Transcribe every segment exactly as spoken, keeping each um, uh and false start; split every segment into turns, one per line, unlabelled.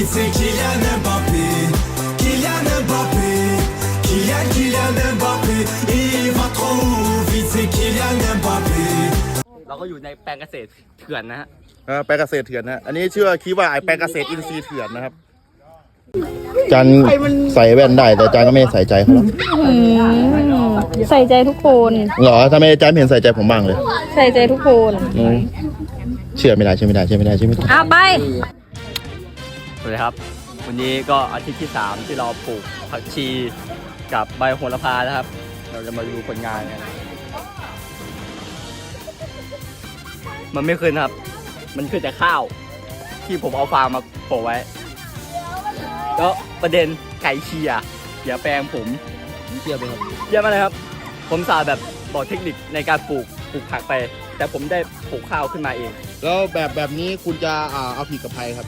vite c'est Kylian Mbappé Kylian Mbappé Kylian Kylian Mbappé il va trop vite c'est Kylian Mbappé
เราก็อยู่ในแปลงเกษตรเถื่อนนะฮะ
แปลงเกษตรเถื่อนนะอันนี้ชื่อคิดว่าไอแปลงเกษตรอินทรีย์เถื่อนนะครับจันใส่แว่นได้แต่จันก็ไม่ใส่ใจเขาหรอก
ใส่ใจทุกคน
หรอทำไมจันไม่เห็นใส่ใจผมบ้างเลย
ใส่ใจทุกคน
เชื่อไม่ได้เชื่อไม่ได้เชื่อไม่ได้เชื่อไม่ได้
เอาไป
สวัสดีครับวันนี้ก็อาทิตย์ที่สามที่เราปลูกผักชีกับใบโหระพานะครับเราจะมาดูผลงานกันมันไม่ขึ้นครับมันขึ้นแต่ข้าวที่ผมเอาฟางมาโปะไว้แล้วประเด็นไก่เชียอย่าแปลงผมเชียไปครับเชียมาเลยครับผมสาแบบบอกเทคนิคในการปลูกปลูกผักไปแต่ผมได้ปลูกข้าวขึ้นมาเอง
แล้วแบบแบบนี้คุณจะเอาผิดกับใครครับ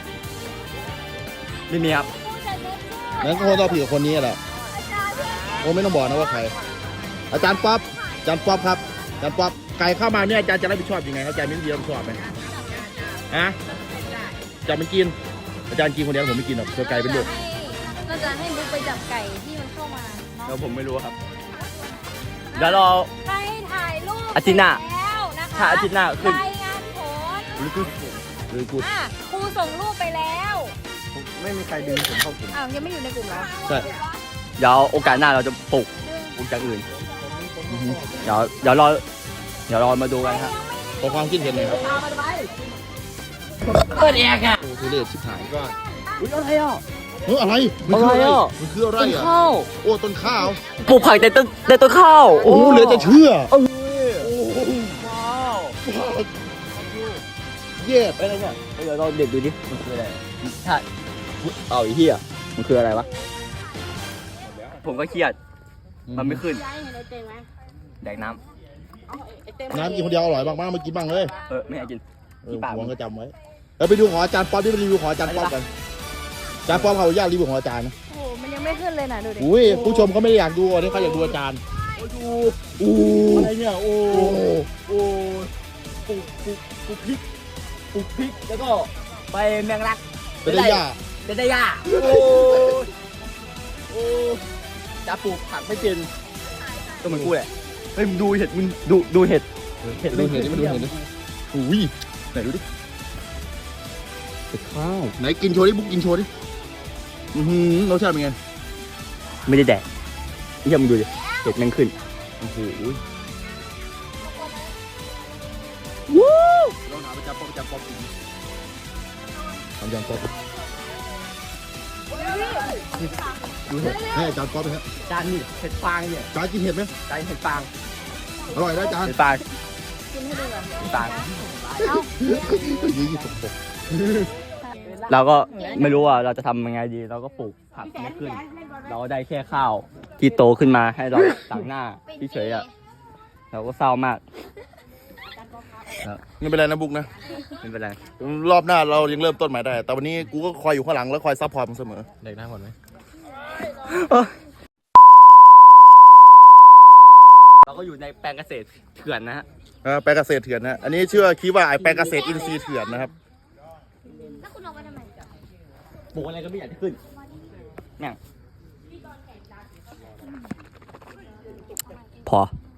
ไม่มีครับ
งั้นก็คงต้องผิดกับคนนี้แหละโอ้ไม่ต้องบอกนะว่าใครอาจารย์ป๊อปอาจารย์ป๊อปครับอาจารย์ป๊อปไก่เข้ามาเนี่ยอาจารย์จะรับผิดชอบยังไงครับอาจารย์ไม่มีรับผิดชอบไหมฮะอาจารย์ไม่กินอาจารย์กินคนเดียวผมไม่กินหรอกตัวไก่เป็นลูก
ก็จะให้บุ๊กไปจับไก่ที่มันเข้ามาเนาะ
แล้วผมไม่รู้ครับเดี๋ยวรอ
ให้ถ่ายรูป
อาทิตย์หน้า
แล้วนะคะ
ถ้าอาทิตย์หน้าขึ้น
รายงานผล
หรือกูหรือกู
อ่ะครูส่งรูปไปแล้ว
ไม่มีใครดึงผมเข้ากลุ่ม
อ้าวยังไม่อยู่ในกลุ่มเหรอ
ใช่
เดี๋ยวโอกาสหน้าเราจะปลูกปลูกอย่างอื่นเดี๋ยวเดี๋ยวรอเดี๋ยวรอมาดูกันครับ
ขอความคิดเห็นหน่อยครับ
เปิดแอร์ค่ะ
โอ้ทุเรศชิบหายก็
อุ้ยอะไรอ่ะ
เฮ้ยอะไรมันคืออะไรมันคืออะไร
ต้น
อ่ะ
ข้าว
โอ้ต้นข้าว
ปลูกผักแต่ต้นแต่ต้นข้าว
โอ้เหลือจะเชื่อ
เออ
โอ้โห
ว้าว
เย็ด
อะไรเนี่ยเดี๋ยวเราเด็ดดูดิมันคืออะไรใช่เอาอีเหี้ยมันคืออะไรวะผมก็เครียดมันไม่ขึ้นแดกน้ำ
น้ำกินคนเดียวอร่อยมากๆมากินบ้างเลย
เออไม่อยากกิน
เออหวงก็จำไว้แล้วไปดูของอาจารย์ป๊อปที่ไปรีวิวของอาจารย์ป๊อปกันอาจารย์ป๊อปเขาอยากรีวิวของอาจารย์นะ
โอ้โหมันยังไม่ขึ้นเลยนะดูดิ
อุ้ยผู้ชมเขาไม่ได้อยากดูอันนี้เขาอยากดูอาจารย์
ดู
อู้
อะไรเนี่ยโอ้
โอ้
โอ้ปลูกปลูกปลูกพริกปลูกพริกแล้วก็ใบแมงลัก
เป็นได้ยาก
เป็นได้ยากโอ้โอ้จะปลูกผักไม่เป็นก็เหมือนกูแหละเฮ้ยมึงดูเห็ดมึงดูดูเห็ด
ดูเห็นดิมาดูเห็นดิอุ้ยไหนดูดิเป็ดข้าวไหนกินโชว์ดิบุ๊กกินโชว์ดิอือหือรสชาติเป็นไง
ไม่ได้แดกเยี่ยมงดูดิเห็ดแม่งขึ้น
โอ้โหลองถามอาจารย์ป๊อปอาจารย์ป๊อปกินทำอาจารย์ป๊อปดูเห็ดให้อาจารย์ป๊อปไปฮะ
จานนี่เห็ดฟางเนี่ย
อาจารย์กินเห็ดไหม
จานเห็ดฟาง
อร่อยนะอาจารย์
เห็ดฟาง
กินให้ดูก่อน
เห็ดฟาง
เอ้า
ยี่สิบหก
เราก็ไม่รู้ว่าเราจะทำยังไงดี เราก็ปลูกผักไม่ขึ้น เราได้แค่ข้าวที่โตขึ้นมาให้เราต่างหน้าเฉยๆอ่ะเราก็เศร้ามาก
ไม่เป็นไรนะบุ๊กนะ
ไม่เป็นไร
รอบหน้าเรายังเริ่มต้นใหม่ได้ แต่วันนี้กูก็คอยอยู่ข้างหลังแล้วคอยซัพพอร์ตมึงเสมอ
เด็กหน้าก่อนไหมเราก็อยู่ในแปลงเกษตรเถื่อนนะฮะ
แปลงเกษตรเถื่อนนะอันนี้ชื่อคิดว่าไอแปลงเกษตรอินทรีย์เถื่อนนะครับ
แล้วคุณออกมาทำไม
ปลูกอะไรก็ไม่อยากจะขึ้นเนี่ยพอ